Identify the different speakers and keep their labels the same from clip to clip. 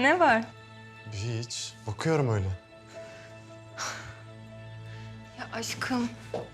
Speaker 1: Ne var?
Speaker 2: Hiç. Bakıyorum öyle.
Speaker 1: Ya aşkım.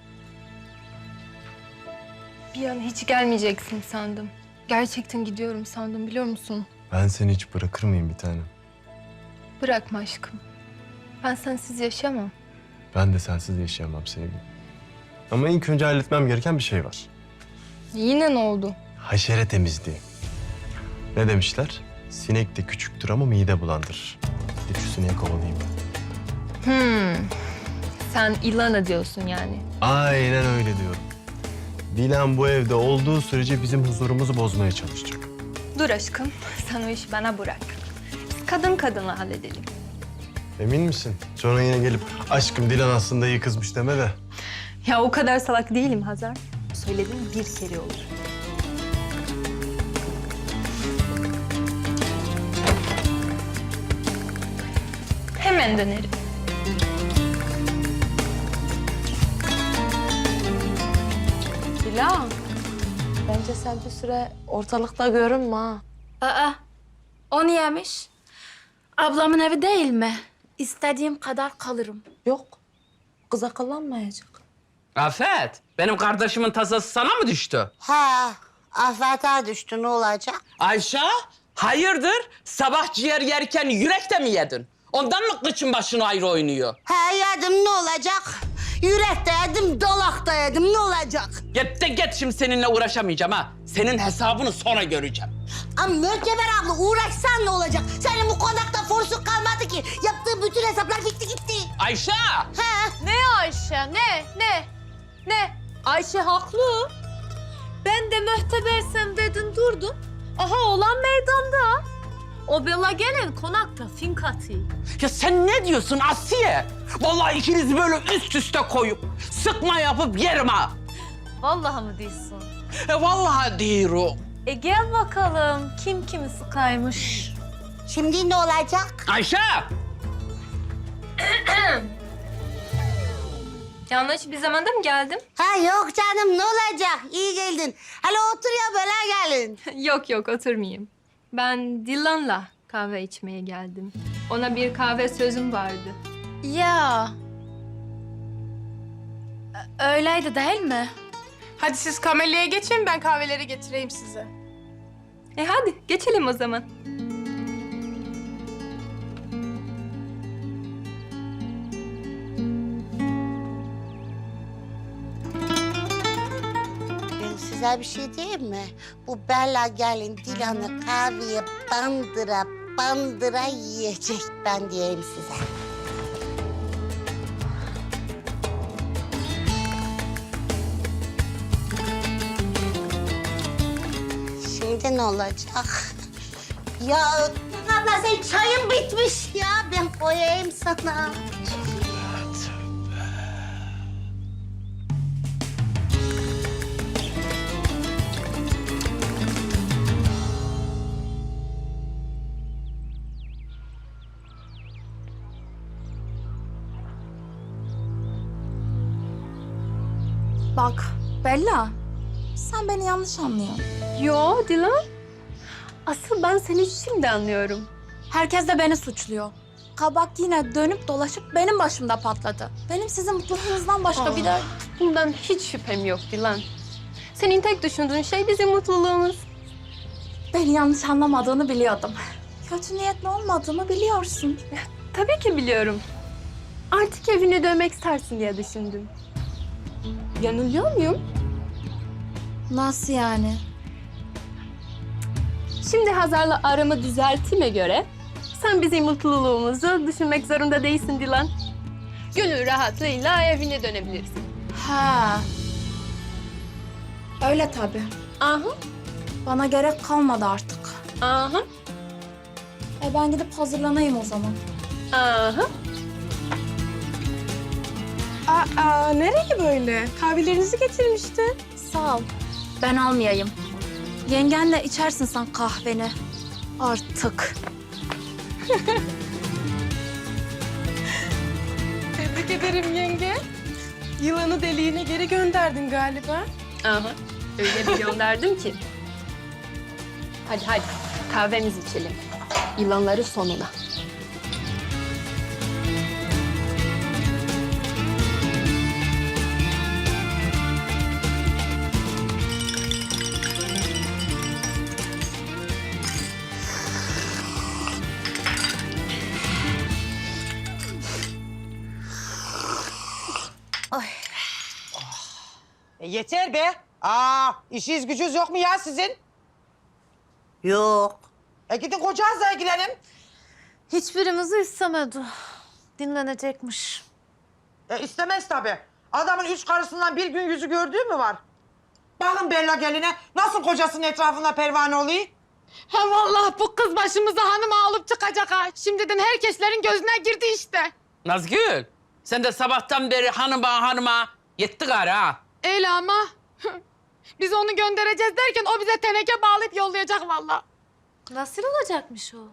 Speaker 1: Bir an hiç gelmeyeceksin sandım. Gerçekten gidiyorum sandım biliyor musun?
Speaker 2: Ben seni hiç bırakır mıyım bir tanem?
Speaker 1: Bırakma aşkım. Ben sensiz yaşamam.
Speaker 2: Ben de sensiz yaşayamam sevgilim. Ama ilk önce halletmem gereken bir şey var.
Speaker 1: Yine ne oldu?
Speaker 2: Haşere temizliği. Ne demişler? Sinek de küçüktür ama mide bulandırır. Gidip şu sineği kovalayayım ben.
Speaker 1: Sen Ilana diyorsun yani.
Speaker 2: Aynen öyle diyorum. Dilan bu evde olduğu sürece bizim huzurumuzu bozmaya çalışacak.
Speaker 1: Dur aşkım. Sen o işi bana bırak. Biz kadın kadınla halledelim.
Speaker 2: Emin misin? Sonra yine gelip aşkım Dilan aslında iyi kızmış deme de.
Speaker 1: Ya o kadar salak değilim Hazar. Söyledim bir kere olur. Hemen dönerim.
Speaker 3: Dilan, bence sen bir süre ortalıkta görünme ha.
Speaker 4: Aa, o niyemiş? Ablamın evi değil mi? İstediğim kadar kalırım.
Speaker 3: Yok, kız akıllanmayacak.
Speaker 5: Afet, benim kardeşimin tasası sana mı düştü?
Speaker 6: Ha, Afet'e düştü ne olacak?
Speaker 5: Ayşe, hayırdır? Sabah ciğer yerken yürek de mi yedin? Ondan mı kıçın başın ayrı oynuyor?
Speaker 6: Ha yedim ne olacak? Yürek de yedim, dalak da yedim ne olacak?
Speaker 5: Git de git, şimdi seninle uğraşamayacağım ha. Senin hesabını sonra göreceğim.
Speaker 6: Ama Möteber abla uğraşsan ne olacak? Senin bu konakta forsuk kalmadı ki. Yaptığı bütün hesaplar gitti gitti.
Speaker 5: Ayşe!
Speaker 6: Ha?
Speaker 3: Ne Ayşe, ne? Ayşe haklı. Ben de mühtebersem dedin durdun. Aha olan meydanda. O bela gelen konakta finkati.
Speaker 5: Ya sen ne diyorsun Asiye? Vallahi ikinizi böyle üst üste koyup sıkma yapıp yerim ha.
Speaker 3: Vallahi mı diyorsun?
Speaker 5: Vallahi diyorum.
Speaker 3: Gel bakalım kim kimi sıkaymış.
Speaker 6: Şimdi ne olacak?
Speaker 5: Ayşe!
Speaker 1: Yanlış bir zamanda mı geldim?
Speaker 6: Ha yok canım ne olacak? İyi geldin. Hele otur ya böyle gelin.
Speaker 1: Yok oturmayayım. Ben Dilan'la kahve içmeye geldim. Ona bir kahve sözüm vardı.
Speaker 4: Ya. Öyleydi değil mi?
Speaker 7: Hadi siz kamelyaya geçin, ben kahveleri getireyim size.
Speaker 1: Hadi geçelim o zaman.
Speaker 6: Ben size bir şey diyeyim mi? Bu Bella gelin Dilan'ı kahveye bandıra yiyecek ben diyeyim size. Şimdi ne olacak? Ya abla senin çayın bitmiş ya. Ben koyayım sana.
Speaker 4: Bak Bella, sen beni yanlış anlıyorsun.
Speaker 1: Yo Dilan. Asıl ben seni şimdi anlıyorum.
Speaker 4: Herkes de beni suçluyor. Kabak yine dönüp dolaşıp benim başımda patladı. Benim sizin mutluluğunuzdan başka bir de...
Speaker 1: Bundan hiç şüphem yok Dilan. Senin tek düşündüğün şey bizim mutluluğumuz.
Speaker 4: Beni yanlış anlamadığını biliyordum. Kötü niyetli olmadığımı biliyorsun.
Speaker 1: Tabii ki biliyorum. Artık evine dönmek istersin diye düşündüm. Yanılıyor muyum?
Speaker 4: Nasıl yani?
Speaker 1: Şimdi Hazar'la aramı düzelttiğime göre sen bizim mutluluğumuzu düşünmek zorunda değilsin Dilan. Gönül rahatlığıyla evine dönebilirsin.
Speaker 4: Ha. Öyle tabii.
Speaker 1: Aha,
Speaker 4: Bana gerek kalmadı artık.
Speaker 1: aha,
Speaker 4: Ben gidip hazırlanayım o zaman.
Speaker 1: aha.
Speaker 7: Aa, nereye böyle? Kahvelerinizi getirmiştim.
Speaker 4: Sağ ol. Ben almayayım. Yengenle içersin sen kahveni. Artık.
Speaker 7: Tebrik ederim yenge. Yılanı deliğine geri gönderdin galiba.
Speaker 1: Aha, öyle bir gönderdim ki. Hadi kahvemizi içelim. Yılanları sonuna.
Speaker 8: Yeter be. İşiniz gücünüz yok mu ya sizin?
Speaker 6: Yok.
Speaker 8: Gidin kocanızla ilgilenin.
Speaker 3: Hiçbirimizi istemedi. Dinlenecekmiş.
Speaker 8: İstemez tabii. Adamın 3 karısından bir gün yüzü gördüğü mü var? Bakın Bella geline nasıl kocasının etrafında pervane oluyor?
Speaker 7: Ha vallahi bu kız başımıza hanım alıp çıkacak ha. Şimdiden herkeslerin gözüne girdi işte.
Speaker 5: Nazgül, sen de sabahtan beri hanıma yetti gari ha.
Speaker 7: Öyle ama biz onu göndereceğiz derken o bize teneke bağlayıp yollayacak vallahi.
Speaker 3: Nasıl olacakmış o?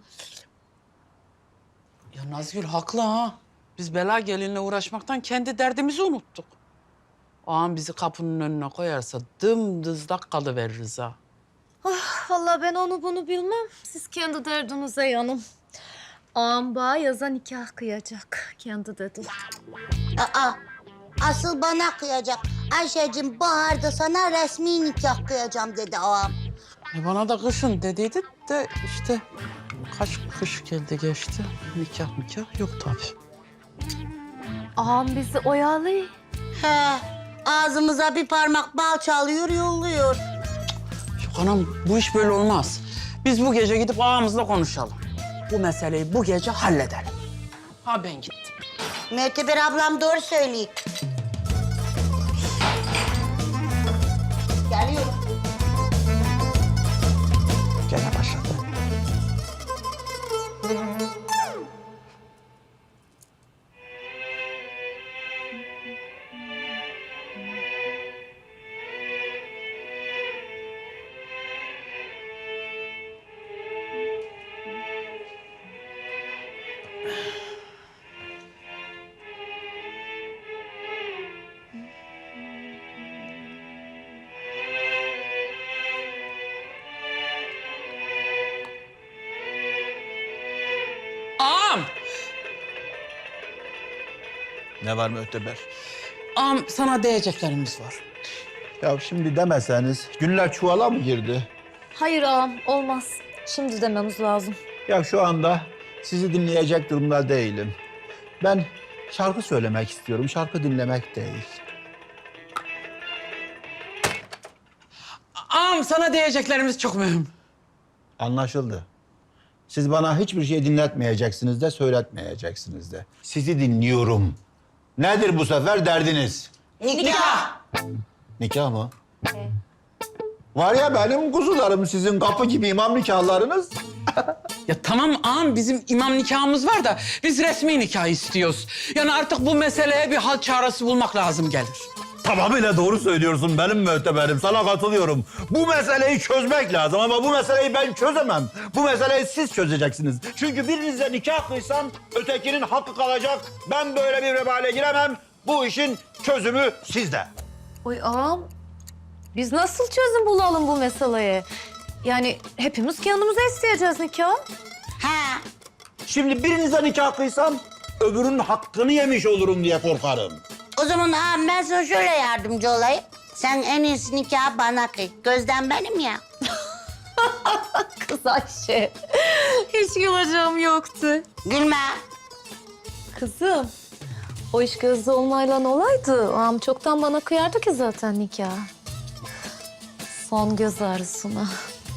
Speaker 5: Ya Nazgül haklı ha. Biz bela gelinle uğraşmaktan kendi derdimizi unuttuk. Ağam bizi kapının önüne koyarsa dımdızlak kalıveririz ha.
Speaker 3: Vallahi ben onu bunu bilmem. Siz kendi derdinize yanın. Ağam yaza nikah kıyacak. Kendi dedi.
Speaker 6: Asıl bana kıyacak. Ayşe'cim baharda sana resmi nikah kıyacağım dedi ağam.
Speaker 5: Bana da kışın dediydi de işte kaç kış geldi geçti. Nikah yok tabii.
Speaker 3: Ağam bizi oyalıyor.
Speaker 6: He, ağzımıza bir parmak bal çalıyor, yolluyor.
Speaker 5: Yok anam bu iş böyle olmaz. Biz bu gece gidip ağamızla konuşalım. Bu meseleyi bu gece halledelim. Ha ben gittim.
Speaker 6: Möteber ablam doğru söylüyor. Geliyorum.
Speaker 8: Gene başladı.
Speaker 5: Ağam!
Speaker 9: Ne var Möhteber?
Speaker 5: Ağam sana diyeceklerimiz var.
Speaker 9: Ya şimdi demeseniz günler çuvala mı girdi?
Speaker 3: Hayır ağam olmaz. Şimdi dememiz lazım.
Speaker 9: Ya şu anda sizi dinleyecek durumda değilim. Ben şarkı söylemek istiyorum, şarkı dinlemek değil.
Speaker 5: Ağam sana diyeceklerimiz çok mühim.
Speaker 9: Anlaşıldı. Siz bana hiçbir şey dinletmeyeceksiniz de söyletmeyeceksiniz de. Sizi dinliyorum. Nedir bu sefer derdiniz?
Speaker 5: Nikah!
Speaker 9: Nikah mı? Var ya benim kuzularım sizin kapı gibi imam nikahlarınız.
Speaker 5: Ya tamam ağam bizim imam nikahımız var da biz resmi nikah istiyoruz. Yani artık bu meseleye bir hal çaresi bulmak lazım gelir.
Speaker 9: Tamamıyla doğru söylüyorsun benim Möhteberim. Sana katılıyorum. Bu meseleyi çözmek lazım ama bu meseleyi ben çözemem. Bu meseleyi siz çözeceksiniz. Çünkü birinizle nikah kıysam ötekinin hakkı kalacak. Ben böyle bir vebale giremem. Bu işin çözümü sizde.
Speaker 3: Oy ağam. Biz nasıl çözüm bulalım bu meseleye? Yani hepimiz kendimize isteyeceğiz nikah.
Speaker 6: He,
Speaker 9: Şimdi birinizle nikah kıysam öbürünün hakkını yemiş olurum diye korkarım.
Speaker 6: o zaman ağam ben sana şöyle yardımcı olayım. Sen en iyisi nikahı bana kıy. Gözden benim ya.
Speaker 3: Kız Ayşe. Hiç güleceğim yoktu.
Speaker 6: Gülme.
Speaker 3: Kızım. O iş gözde olmayla olaydı. Ağam çoktan bana kıyardı ki zaten nikah. Son göz ağrısına.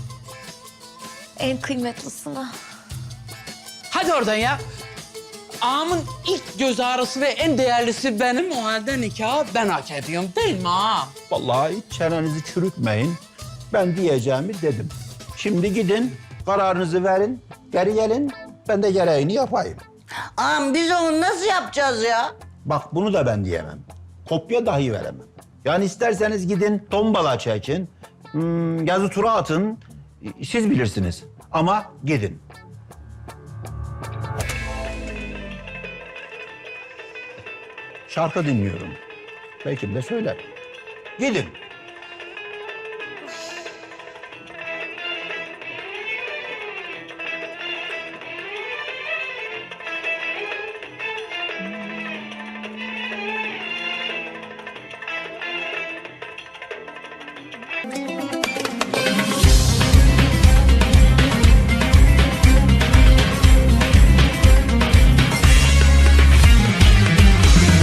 Speaker 3: En kıymetlisine.
Speaker 5: Hadi oradan ya. Ağamın ilk göz ağrısı ve en değerlisi benim. O halde nikahı ben hak ediyorum değil mi ağam?
Speaker 9: Vallahi hiç çenenizi çürütmeyin. Ben diyeceğimi dedim. Şimdi gidin, kararınızı verin, geri gelin. Ben de gereğini yapayım.
Speaker 6: Ağam biz onu nasıl yapacağız ya?
Speaker 9: Bak bunu da ben diyemem. Kopya dahi veremem. Yani isterseniz gidin tombala çekin, yazı tura atın. Siz bilirsiniz. Ama gidin. Şarkı dinliyorum. Belki de söylerim. Gidin.